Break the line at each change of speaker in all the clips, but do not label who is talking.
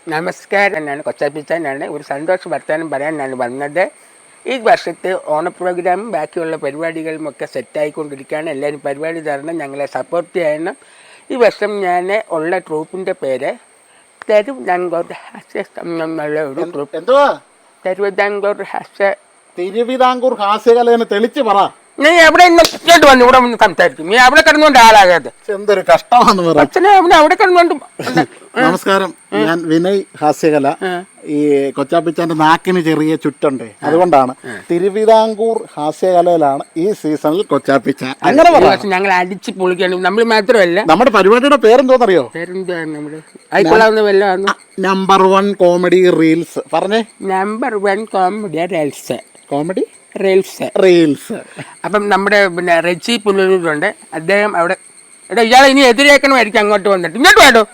നമസ്കാരം. എന്നാണ് കൊച്ചാപ്പിച്ചാനാണ്. ഒരു സന്തോഷ വർത്തമാനം പറയാനാണ് വന്നത്. ഈ വർഷത്തെ ഓണ പ്രോഗ്രാമും ബാക്കിയുള്ള പരിപാടികളും ഒക്കെ സെറ്റായിക്കൊണ്ടിരിക്കുകയാണ്. എല്ലാവരും പരിപാടി തരണം, ഞങ്ങളെ സപ്പോർട്ട് ചെയ്യണം. ഈ വർഷം ഞാൻ ഉള്ള ട്രൂപ്പിൻ്റെ പേര് തിരുവിതാംകൂർ ഹാസ്യ എന്നുള്ള ഒരു ട്രൂപ്പ്.
എന്തുവാ?
തിരുവിതാംകൂർ
ഹാസ്യകലയെന്ന് തെളിച്ച് പറ.
നീ എവിടെ ഇങ്ങോട്ട് വന്നു ഇവിടെ വന്ന് സംസാരിക്കും. നീ അവിടെ കിടന്നുകൊണ്ട് ആളാകാതെ.
എന്തൊരു കഷ്ടമാണെന്ന് പറ.
അച്ഛനെ അവിടെ കിടന്നുകൊണ്ട്.
നമസ്കാരം, ഞാൻ വിനയ് ഹാസ്യകല. ഈ കൊച്ചാപ്പിച്ചാന്റെ നാക്കിന് ചെറിയ ചുറ്റുണ്ട്, അതുകൊണ്ടാണ് തിരുവിതാംകൂർ ഹാസ്യകലയിലാണ് ഈ സീസണിൽ കൊച്ചാപ്പിച്ച. അങ്ങനെ പറയാം.
ഞങ്ങൾ അടിച്ച് പൊളിക്കണം. നമ്മൾ മാത്രമല്ല,
നമ്മുടെ പരിപാടിയുടെ പേരെന്തോന്നറിയോ? Number 1 comedy reels. പറഞ്ഞേ.
Number 1 comedy reels.
Comedy
reels. അപ്പം നമ്മുടെ പിന്നെ റെച്ചി പുനലൂരുണ്ട്. അദ്ദേഹം അവിടെ ഇയാളെ ഇനി എതിരേക്കണമായിരിക്കും അങ്ങോട്ട് വന്നിട്ട്. ഇങ്ങോട്ട് വേണ്ടോ?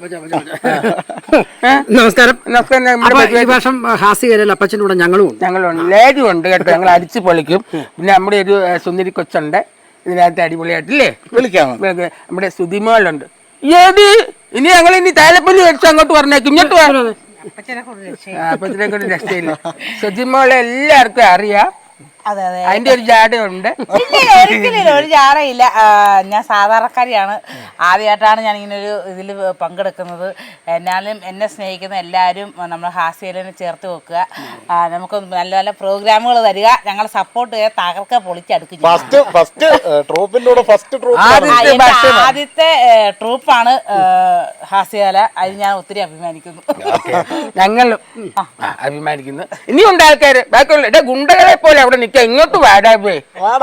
നമസ്കാരം.
നമസ്കാരം.
ഈ വർഷം ഹാസ്യകലയിൽ അപ്പച്ചൻ്റെ കൂടെ ഞങ്ങളുണ്ട്.
ലേഡി ഉണ്ട് കേട്ടോ. ഞങ്ങൾ അടിച്ച് പൊളിക്കും. പിന്നെ നമ്മുടെ ഒരു സുന്ദരി കൊച്ചുണ്ട് ഇതിനകത്ത് അടിപൊളിയായിട്ടില്ലേ
വിളിക്കാം.
നമ്മുടെ സുതിമോളുണ്ട്. ഏത് ഇനി ഞങ്ങൾ ഇനി താലപ്പൊലി വെച്ച് അങ്ങോട്ട് പറഞ്ഞേക്കും. ഇങ്ങോട്ട് വേണം. അപ്പച്ചനെ കൊണ്ട് രക്ഷയില്ല. സുതിമോളെ എല്ലാവർക്കും അറിയാം. അതിന്റെ ഒരു ജാടയുണ്ട്.
ഒരിക്കലും ഒരു ജാടയില്ല. ഞാൻ സാധാരണക്കാരിയാണ്. ആദ്യമായിട്ടാണ് ഞാൻ ഇങ്ങനെ ഒരു ഇതിൽ പങ്കെടുക്കുന്നത്. എന്നാലും എന്നെ സ്നേഹിക്കുന്ന എല്ലാവരും നമ്മൾ ഹാസ്യകലനെ ചേർത്ത് വെക്കുക. നമുക്ക് നല്ല നല്ല പ്രോഗ്രാമുകൾ തരിക. ഞങ്ങളെ സപ്പോർട്ട് ചെയ്യുക. തകർക്ക പൊളിച്ചടുക്കും. ആദ്യത്തെ ട്രൂപ്പാണ് ഹാസ്യകല. അതിന് ഞാൻ ഒത്തിരി അഭിമാനിക്കുന്നു.
ഞങ്ങളും അഭിമാനിക്കുന്നു. ഇനിയുണ്ട് ആൾക്കാര് ബാക്കിയുള്ള ഗുണ്ടകളെ പോലെ അവിടെ നിൽക്കുക. ഇങ്ങോട്ട് വാടാ പോയി.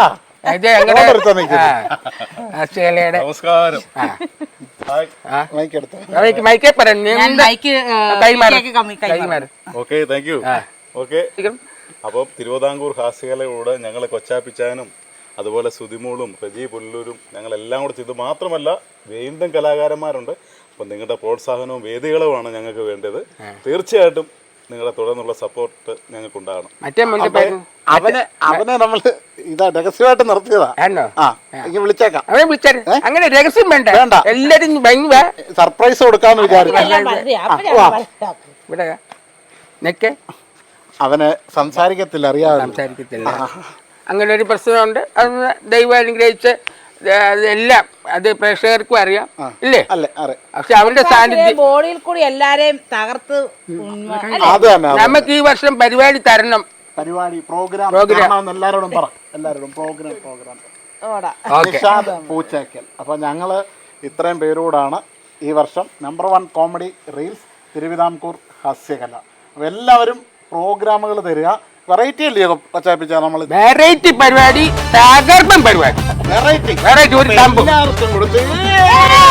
അപ്പം തിരുവിതാംകൂർ ഹാസ്യകലയുടെ ഞങ്ങൾ കൊച്ചാപ്പിച്ചാനും അതുപോലെ സുതിമോളും റെജി പുല്ലൂരും ഞങ്ങളെല്ലാം കൂടെ ചെയ്തു. മാത്രമല്ല വീണ്ടും കലാകാരന്മാരുണ്ട്. അപ്പം നിങ്ങളുടെ പ്രോത്സാഹനവും വേദികളുമാണ് ഞങ്ങൾക്ക് വേണ്ടത്. തീർച്ചയായിട്ടും നിങ്ങളുടെ തുടർന്നുള്ള സപ്പോർട്ട് ഞങ്ങൾക്ക് ഉണ്ടാകണം.
അവനെ നമ്മൾ ഇതാ രഹസ്യമായിട്ട് നിർത്തിയതാ. വിളിച്ചേക്കാം.
അങ്ങനെ രഹസ്യം വേണ്ട. എല്ലാരും
സർപ്രൈസ് കൊടുക്കാന്ന് വിചാരിച്ചു. അവനെ സംസാരിക്കത്തില്ല, അറിയാതെ
സംസാരിക്കത്തില്ല. അങ്ങനെ ഒരു പ്രശ്നമുണ്ട്. അത് ദൈവം അനുഗ്രഹിച്ച് എല്ലാം അത് പ്രേക്ഷകർക്കും അറിയാം ഇല്ലേ? പക്ഷെ അവന്റെ സാന്നിധ്യം
ബോഡിയിൽ കൂടി എല്ലാരെയും തകർത്ത്.
നമുക്ക് ഈ വർഷം പരിപാടി തരണം.
പൂച്ചേക്കൽ. അപ്പൊ ഞങ്ങള് ഇത്രയും പേരോടാണ് ഈ വർഷം നമ്പർ 1 കോമഡി റീൽസ് തിരുവിതാംകൂർ ഹാസ്യകല. അപ്പൊ എല്ലാവരും പ്രോഗ്രാമുകൾ തരിക. വെറൈറ്റി അല്ലേ കൊച്ചാപ്പിച്ച? നമ്മള്
വെറൈറ്റി പരിപാടി, തകർപ്പൻ പരിപാടി, വെറൈറ്റി ഒരു